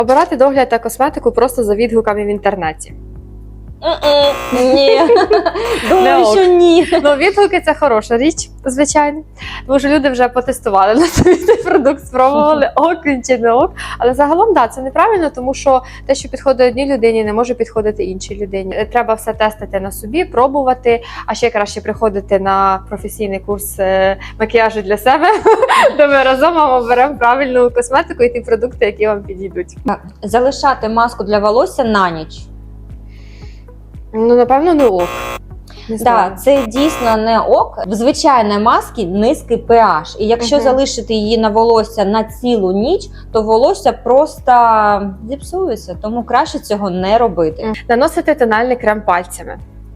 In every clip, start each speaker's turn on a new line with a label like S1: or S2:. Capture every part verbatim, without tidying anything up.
S1: Обирати догляд та косметику просто за відгуками в інтернеті.
S2: Ні, думаю,
S1: ок.
S2: що ні.
S1: Ну, відгуки – це хороша річ, звичайно. Тому що люди вже потестували на собі цей продукт, спробували, ок він чи не ок. Але загалом, да, це неправильно, тому що те, що підходить одній людині, не може підходити іншій людині. Треба все тестити на собі, пробувати, а ще краще приходити на професійний курс е, макіяжу для себе, де ми разом вам оберемо правильну косметику і ті продукти, які вам підійдуть.
S2: Залишати маску для волосся на ніч.
S1: Ну, напевно, не ок. Не знаю.
S2: Так, це дійсно не ок. В звичайній маски низький pH. І якщо
S1: Мгм.
S2: залишити її на волосся на цілу ніч, то волосся просто зіпсується. Тому краще цього не робити.
S1: Наносити тональний крем пальцями.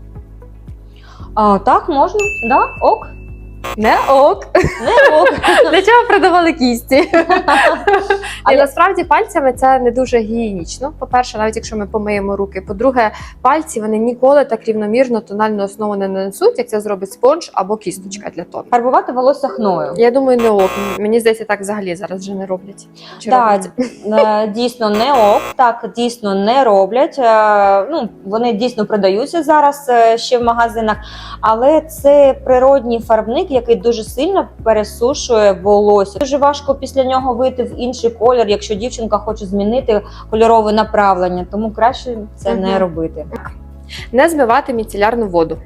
S2: А, так, можна, да, ок.
S1: Не ок.
S2: Не ок.
S1: Для чого продавали кісті? Але
S2: Але-
S1: насправді пальцями це не дуже гігієнічно. По-перше, навіть якщо ми помиємо руки. По-друге, пальці вони ніколи так рівномірно тональну основу не нанесуть, як це зробить спонж або кісточка для тону.
S2: Фарбувати волосся хною.
S1: Я думаю, не ок. Мені здається, так взагалі зараз вже не роблять. Чи
S2: Так,
S1: роблять?
S2: е, дійсно не ок, так дійсно не роблять. Е, Ну, вони дійсно продаються зараз е, ще в магазинах, але це природній фарбник, який дуже сильно пересушує волосся. Дуже важко після нього вийти в інший колір, якщо дівчинка хоче змінити кольорове направлення, тому краще це
S1: Мгм.
S2: не робити.
S1: Не змивати міцелярну воду.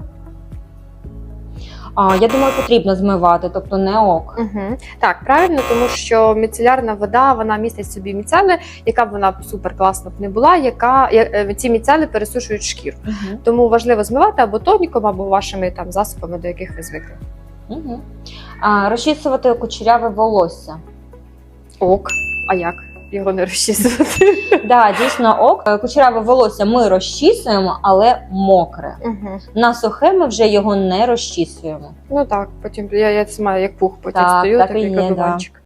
S2: А, я думаю, потрібно змивати, тобто не ок.
S1: Угу. Так, правильно, тому що міцелярна вода, вона містить в собі міцели, яка б вона супер класно б не була, яка я- е, ці міцели пересушують шкіру.
S2: Угу.
S1: Тому важливо змивати або тоніком, або вашими там засобами, до яких ви звикли.
S2: Угу. А, розчісувати кучеряве волосся.
S1: Ок. А як? Його не розчісувати.
S2: Да, дійсно ок. Кучеряве волосся ми розчісуємо, але мокре.
S1: Угу.
S2: На сухе ми вже його не розчісуємо.
S1: Ну так, потім я, я це маю як пух, потім
S2: Так,
S1: стою,
S2: так
S1: такий
S2: і є,
S1: кадуванчик.